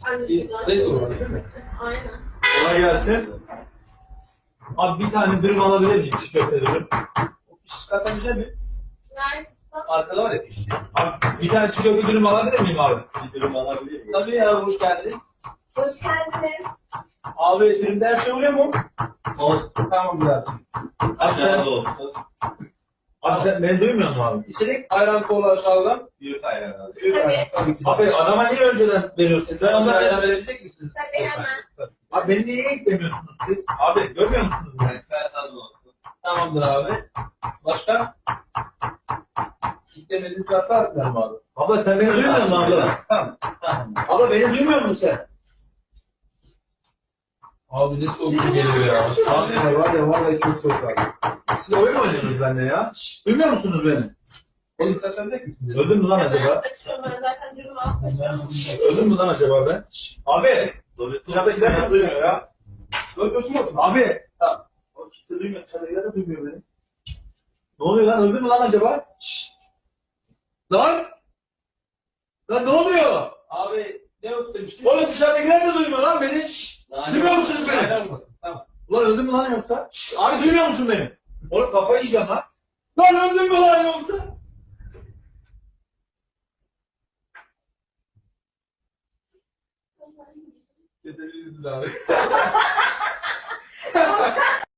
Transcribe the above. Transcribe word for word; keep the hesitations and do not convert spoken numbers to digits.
Ne olur değil mi? Aynen. Kolay gelsin. Abi bir tane dürüm alabilir miyim? Çiğ köfte dürüm. O piş zaten güzel mi? Nerede? Arkada var ya piş. Abi bir tane çiğ köfte dürüm alabilir miyim abi? Bir dürüm alabilir miyim? Tabii ya, hoş geldiniz. Hoş geldiniz. Abi dürümde her şey oluyor mu? Olsun. Tamam biraz. Abi sen, abi sen beni duymuyor musun abi? İçerik ayran kola aşağıdan. Büyük ayran abi. Büyük Tabii. ayran. Tabii ki. Abi adama niye önceden veriyorsun? Sen onlara ayran verebilecek misiniz? Tabii hemen. Abi beni niye eklemiyorsunuz siz? Abi görmüyor musunuz beni? Sen olsun. Tamamdır abi. Başka? İstemediğiniz varsa atlarım abi. Abla sen beni duymuyor musun abla? Tamam. Tamam. Abla beni duymuyor musun sen? Abi ne soğuk geliyor ya. Abi ya var ya vallahi çok soğuk abi. Siz oyun mu oynuyorsunuz benimle ya? Şşş, duymuyor musunuz beni? Oğlum sen sende misin? Öldün mü lan acaba? Açıyorum ben zaten dürüm almışım. Öldün mü lan acaba ben? Şşş, abi! Dışarıdakiler de duymuyor ya. Öldürsün musun? Abi! Tamam. O kimse duymuyor. Dışarıdakiler de duymuyor beni. Ne oluyor lan? Öldün mü lan acaba? Şşş! Lan! Lan ne oluyor? Abi ne yok demiştin? Oğlum dışarıdakiler de duymuyor lan beni. Şşş! Duymuyor musunuz beni? Tamam. Ulan öldün mü lan yoksa? Şşş! Abi duymuyor musun beni? Oğlum kafayı yiyeceğim lan. Lan öldün mü lan yoksa? Yeterliyiz abi.